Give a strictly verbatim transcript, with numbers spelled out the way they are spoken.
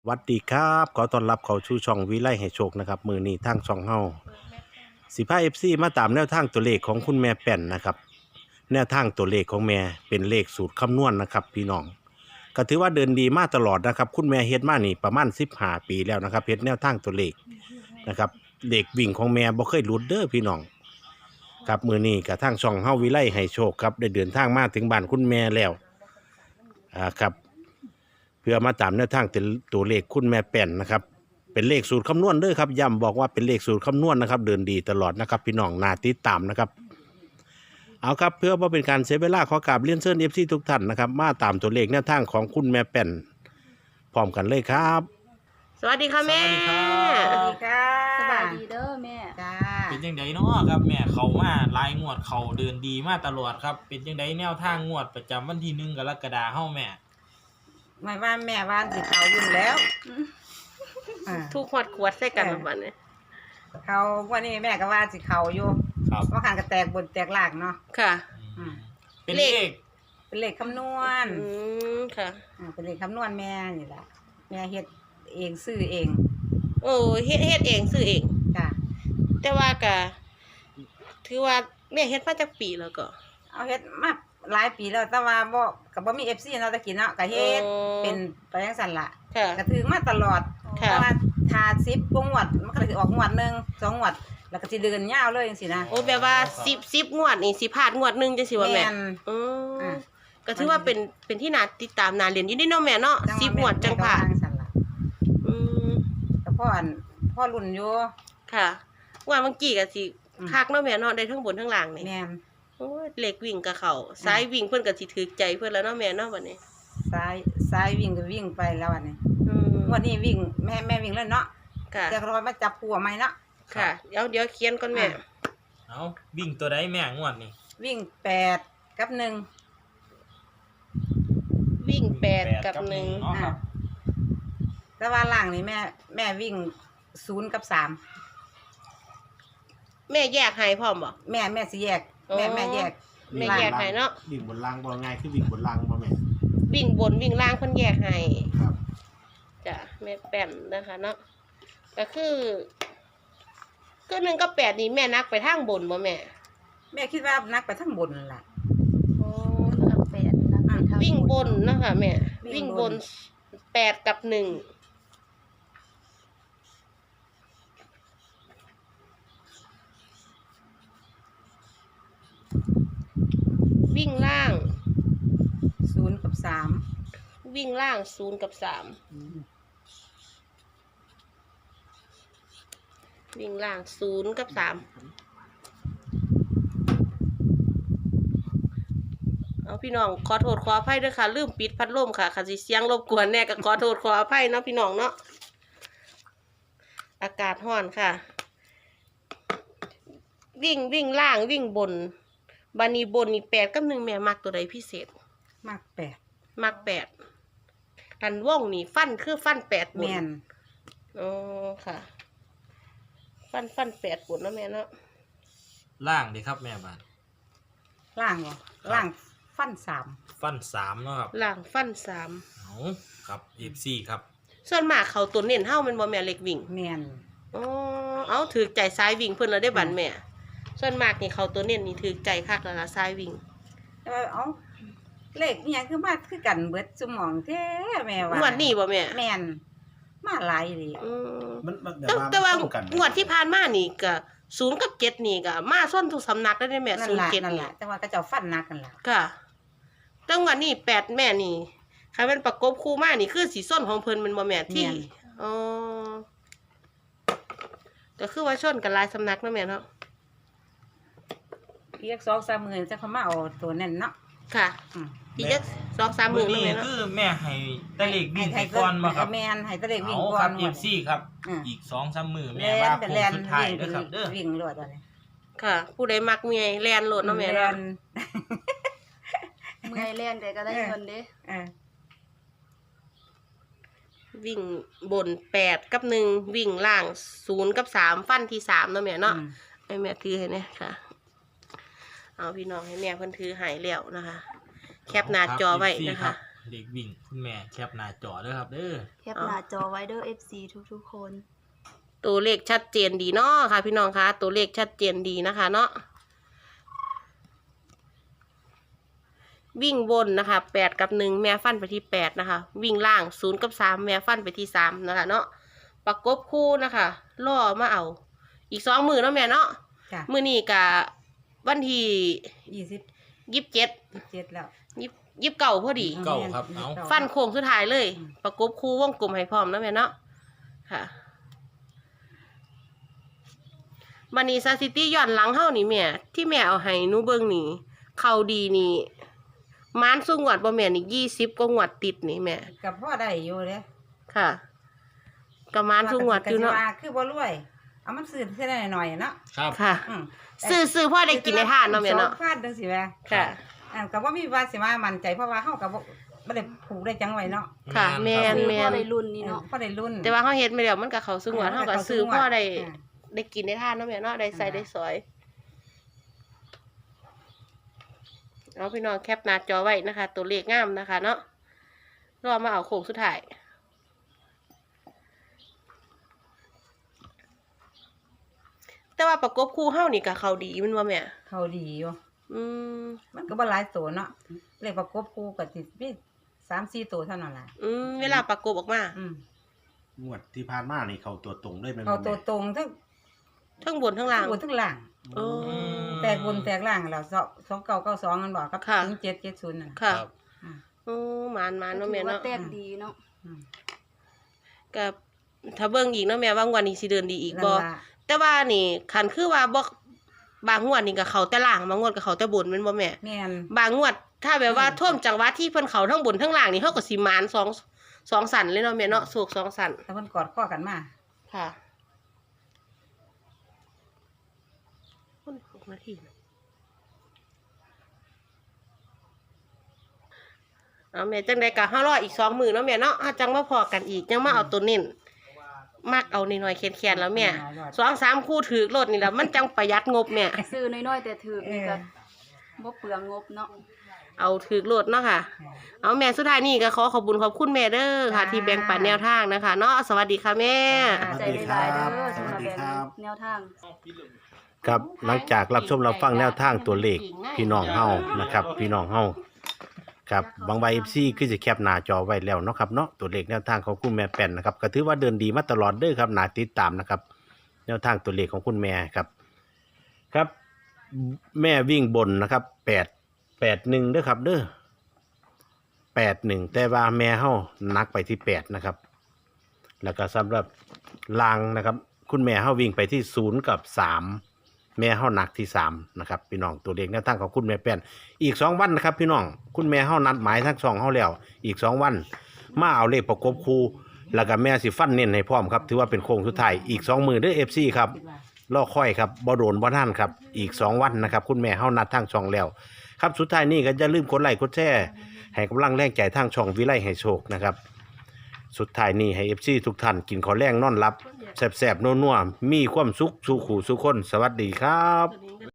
วัสดีครับขอต้อนรับเข้าสู่ช่องวิไลให้โชคนะครับมือนี้ทางช่องเฮาสิพา เอฟ ซี มาตามแนวทางตัวเลขของคุณแม่แป่นนะครับแนวทางตัวเลขของแม่เป็นเลขสูตรคำนวณนะครับพี่น้องก็ถือว่าเดินดีมาตลอดนะครับคุณแม่เฮ็ดมานี่ประมาณสิบห้าปีแล้วนะครับเฮ็ดแนวทางตัวเลขนะครับเลขวิ่งของแม่บ่เคยหลุดเด้อพี่น้องครับมือนี้กับทางช่องเฮาวิไลให้โชคครับได้เดินทางมาถึงบ้านคุณแม่แล้วอ่าครับเพื่อมาตามแนวทางตัวเลขคุณแม่แป่นนะครับเป็นเลขสูตรคำนวณเด้อครับย้ำบอกว่าเป็นเลขสูตรคำนวณนะครับเดินดีตลอดนะครับพี่น้องน่าติดตามนะครับเอาครับเพื่อว่าเป็นการเสียเวลาขอกราบเรียนเชิญ เอฟ ซี ทุกท่านนะครับมาตามตัวเลขแนวทางของคุณแม่แป่นพร้อมกันเลยครับสวัสดีค่ะแม่สวัสดีครับสวัสดีค่ะสบายดีเด้อแม่จ้าเป็นจังไดเนาะครับแม่เขามาลายงวดเขาเดินดีมาตลอดครับเป็นจังไดแนวทางงวดประจำวันที่หนึ่งกรกฎาคมเฮาแม่ไม่ว่าแม่ว่านสิเขายุ่นแล้วอ่าทุกขวดขวดใส่กันแบบนี้เขาวันนี้แม่ก็ว่าสิเขาอยู่ครับว่าขันกระแตกบนแตกหลากเนาะค่ะอืมเป็นเลขเป็นเลขคำนวณอืมค่ะอ่าเป็นเลขคำนวณแม่นี่แหละแม่เฮ็ดเองซื้อเองโอ้เฮ็ดเฮ็ดเองซื้อเองจ้าแต่ว่าก็ถือว่าแม่เฮ็ดมาจากปีแล้วก็เอาเฮ็ดมาหลายปีแล้วแต่ว่าบ่ก็บ่มี เอฟ ซี เนาะตะกี้เนาะก็เฮ็ดอ๋อเป็นไปจังซั่นล่ะค่ะก็ถึงมาตลอดค่ะแต่ว่าทาสิบกงวดมันก็สิออกงวดหนึงสองงวดแล้วก็สิเดินยาวเลยจังซี่นะโอ้แบบว่าสิบสิบงวดนี่สิพลาดงวดหนึงจังซี่ว่าแม่แม่นอืออ่าก็ถือว่าเป็นเป็นที่น่าติดตามน่าเรียนอยู่นี่เนาะแม่เนาะสิบงวดจังพลาดแม่ก็ว่จังซั่นล่ะอืมก็พ่ออันพ่อรุ่นอยู่ค่ะงวดเมื่อกี้ก็สิอืมคักเนาะแม่เนาะได้ทั้งบนทั้งล่างนี่แม่นโอ้ยเหล็กวิ่งกับเขาซ้ายวิ่งเพิ่นก็สิถือใจเพิ่นแล้วเนาะแม่เนาะบัดนี้ซ้ายซ้ายวิ่งก็วิ่งไปแล้วอันนี้อืมวันนี้วิ่งแม่แม่วิ่งแล้วเนาะค่ะจะรอมาจับผัวไหมเนาะค่ะเดี๋ยวเดี๋ยวเขียนก่อนแม่อ่ะเอาวิ่งตัวใดแม่งวดนี่วิ่งแปดกับหนึ่งวิ่งแปดกับหนึ่งเนาะครับแต่ว่าล่างนี่แม่แม่วิ่งศูนย์กับสามแม่แยกให้พร้อมบ่แม่แม่สิแยกแม่อ๋อแม่แยกแม่แยกให้เนาะวิ่งบนล่างบ่ง่ายคือวิ่งบนล่างบ่แม่วิ่งบนวิ่งล่างเพิ่นแยกให้ครับจ้ะแม่แป้นนะคะเนาะก็คือก็หนึ่งกับแปดนี่แม่นักไปทางบนบ่แม่แม่คิดว่านักไปทั้งบนนั่นล่ะโอ้กับแปดนะไปทางวิ่งบนนะคะแม่วิ่วิ่งงบบ นนแปดกับหนึ่งวิ่งล่างศูนย์กับสามวิ่งล่างศูนย์กับสามวิ่งล่างศูนย์กับสามเอาพี่น้องขอโทษขออภัยด้วยค่ะลืมปิดพัดลมค่ะค่ะสิเสียงรบกวนแน่ก็ขอโทษขออภัยเนาะพี่น้องเนาะอากาศร้อนค่ะ วิ่งวิ่งล่างวิ่งบนบานีบนนี่แปดกับหนึ่งแม่มักตัวใดพิเศษมากแปดมักแปดกันว่องนี่ฟันคือฟันแปดบนแม่นอ๋อค่ะ ฟันฟันแปดบนเนาะแม่เนาะล่างดีครับแม่บานล่างบ่ล่างฟันสามฟันสามเนาะครับล่างฟันสามเอาครับเอฟซีครับส่วนมากเขาตัวเน้นเฮ้ามันบ่แม่เล็กวิ่งแม่นอ๋อเอาถือใจซ้ายวิ่งเพิ่นแล้วได้บันแม่ ส่วนมากนี่เขาตัวเน้นนี่ถือใจคักแล้วล่ะซ้ายวิ่งแต่ว่าเอ้าเลขอิหยังคือมาคือกันเบิดสมองแท้แม่ว่างวดนี้บ่แม่แม่นมาหลายเลยอืมมันมันแต่แต่ว่าตรงกันงวดที่ผ่านมานี่ก็ศูนย์กับเจ็ดนี่ก็มาส้นทุกสำนักได้ได้แม่นั่ศูนนย์ล่ะเจ็ดนั่นนี่ล่ะแต่ว่าก็เจ้าฟันหนักกันล่ะค่ะแต่งวดนี้แปดแม่นี่ใครเป็นประกบคู่มานี่คือสีส้นของเพิ่นแมันบ่แม่ที่อ๋อก็คือว่าชนกันหลายสำนักเนาะแม่เนาะเรียกสองสามหมื่นจะเขามาเอาตัวนั่นเนาะค่ะอืมพี่จะสองสามหมื่นมื้อเนาะนี้แม่เนาะคือแม่ให้แต่เลขวิ่งให้ก่อนมาครับแม่นให้แตะเลขวิ่งเอาก่คอรันบเอฟซีครับอืมอีกสองสามมือแลแม่ว่าน โค้เป็นงแลนสุดท้ายวิ่งเด้อครับเด้อวิ่งรวดอะไรค่ะ ผู้ใดมักเมียแลนโหลดเนาะแม่เนาะเมื่อยเล่นแต่ก็ได้เงินเด้เออวิ่งบนแปดกับหนึ่งวิ่งล่างศูนย์กับสามฟันที่สามเนาะแม่เนาะอืมให้แม่ถือให้เนี่ยค่ะ เอาพี่น้องให้แม่เพิ่นถือใหายแล้วนะคะ แคปหน้าจอไว้นะคะเเลขวิ่งคุณแม่แคปหน้าจอเด้อครับเด้อแคปหน้าจอไว้เด้อ เอฟ ซี ทุกๆคนตัวเลขชัดเจนดีเนาะค่ะ พี่น้องคะตัวเลขชัดเจนดีนะคะเนาะวิ่งบนนะคะแปดกับหนึ่งแม่ฟันไปที่แปดนะคะ วิ่งล่างศูนย์กับสามแม่ฟันไปที่สามนะคะเนาะประกบคู่นะคะล่อมาเอา อีกสองมือเนาะแม่เนาะจ้ะมือนี้กับวันที่ยี่สิบยี่สิบเจ็ดยี่สิบเจ็ดแล้วยี่สิบเก้าพอดีเก้าครับเอาฟันโค้งสุดท้ายเลยอืมประกบคู่วงกลมให้พร้อมเนาะแม่เนาะค่ะบันนี้ซาซิตี้ย้อนหลังเฮานี่แม่ที่แม่เอาให้หนูเบิ่งนี่เขาดีนี่มานสู้งวดบ่แม่นี่ยี่สิบกว่างวดติดนี่แม่กับพ่อได้อยู่เด้ค่ะก็มานสู้งวดอยู่เนาะก็สิว่าคือบ่รวย เอามันซื้อแค่หน่อยๆเนาะครับค่ะอืมซื้อซื้อพ่อได้กินในทานเนาะแม่เนาะสองพันจังซี่แหมค่ะอันก็บ่มีว่าสิว่ามั่นใจเพราะว่าเฮาก็บ่บ่ได้ผูกได้จังไว้เนาะค่ะแม่นคือแม่พ่อน ได้รุ่นนี่เนาะพอได้รุ่นแต่ว่าเฮาเฮ็ดไม่แล้วมันก็เข้าสู้งวดเฮาก็ซื้อพ่อได้อ่าได้กินในทานเนาะแม่เนาะได้ใส่ได้สอยเอาพี่น้องแคปหน้าจอไว้นะคะ ตัวเลขงามนะคะ เนาะรอมาเอาโค้งสุดท้ายแต่ว่าประกบคู่เฮานี่ก็เขาดีแมันว่าแม่เขาดีอยู่อืมมันก็บ่หลายตัวเนาะเลขประกบคู่ก็สิมีสามสี่ตัวเท่านั้นล่ะอืมเวลาประกบออกมาอืมงวดที่ผ่านมานี่เขาตัวตรงเลยแม่นเขาบ่ตัวแม่ตรงทั้งทั้งบนทั้งล่างบนทั้งล่างโอ้แตกบนแตกล่างแล้วสองเก้าเก้าสองกันบอกกับค่ะศูนย์เจ็ดเจ็ดศูนย์น่ะค่ะครับอ่าโอ้หมานหมานเนาะแม่ถือว่าเนาะแตกดีเนาะอืมก็ถ้าเบิ่งอีกเนาะแม่ว่างวันนี้สิเดินดีอีกนั่นบ่ล่ะแต่ว่านี่คันคือว่าบ่บางงวดนี่ก็เขาแต่ล่างบางงวดก็เขาแต่บนแม่นบ่แม่แม่นบางงวดถ้าแบบว่าอืมท่วมจังหวัดที่เพิ่นเขาทั้งบนทั้งล่างนี่เฮาก็สิหมานสองสองสันเลยเนาะแม่เนาะโศกสองสันแต่เพิ่นกอดข้อกันมาค่ะคนหกนาทีเอาแม่จังได๋ก็เฮารออีกสองมื้อเนาะแม่เนาะเฮาจังมาพอกันอีกยังมาเอาตัวเน้นมักเอานิดหน่อยๆแค้นๆแล้วแม่สองสามคู่ถือรถนี่ล่ะมันจังประหยัดงบแม่ซื้อน้อยๆแต่ถือนี่ก็บ่เปลืองงบเนาะเอาถือโหลดเนาะค่ะ เอาแม่สุดท้ายนี่ก็ขอขอบคุญขอบคุณแม่เด้อค่ะ ที่แบ่งปันแนวทางนะคะเนาะสวัสดีค่ะแม่ใจหลายๆเด้อสำหรับแบงแนวทางครับหลังจากรับชมรับฟังแนวทางตัวเลขพี่น้องเฮานะครับ พี่น้องเฮาครับบางใบ เอฟ ซี คือจะแคปหน้าจอไว้แล้วเนาะครับเนาะตัวเลขแนวทางของคุณแม่แป้นนะครับก็ถือว่าเดินดีมาตลอดเด้อครับน่าติดตามนะครับ แนวทางตัวเลขของคุณแม่ครับ ครับ แม่วิ่งบนนะครับแปดแปดหนึ่งเด้อครับเด้อแปดหนึ่งแต่ว่าแม่เฮานักไปที่แปดนะครับ แล้วก็สำหรับลางนะครับ คุณแม่เฮาวิ่งไปที่ศูนย์กับสามแม่เฮาหนักที่สามนะครับพี่น้องตัวเลขแนวทางของคุณแม่แป้นอีกสองวันนะครับ พี่น้องคุณแม่เฮานัดหมายทั้งสองเฮาแล้วอีกสองวันมาเอาเลขประกบคู่แล้วก็แม่สิฟันเน้นให้พร้อมครับถือว่าเป็นโค้งสุดท้ายอีกสองมือเด้อ เอฟ ซี ครับรอค่อยครับบ่โดนบ่ท่านครับอีกสองวันนะครับคุณแม่เฮานัดทั้งช่องแล้วครับสุดท้ายนี้ก็อย่าลืมกดไลค์กดแชร์ให้กำลังแรงใจทางช่องวิไลให้โชคนะครับสุดท้ายนี้ให้ เอฟ ซี ทุกท่านกินข้าวแรงนอนหลับแซ่บๆนัวๆมีความสุขสู่ขู่สู่คนสวัสดีครับ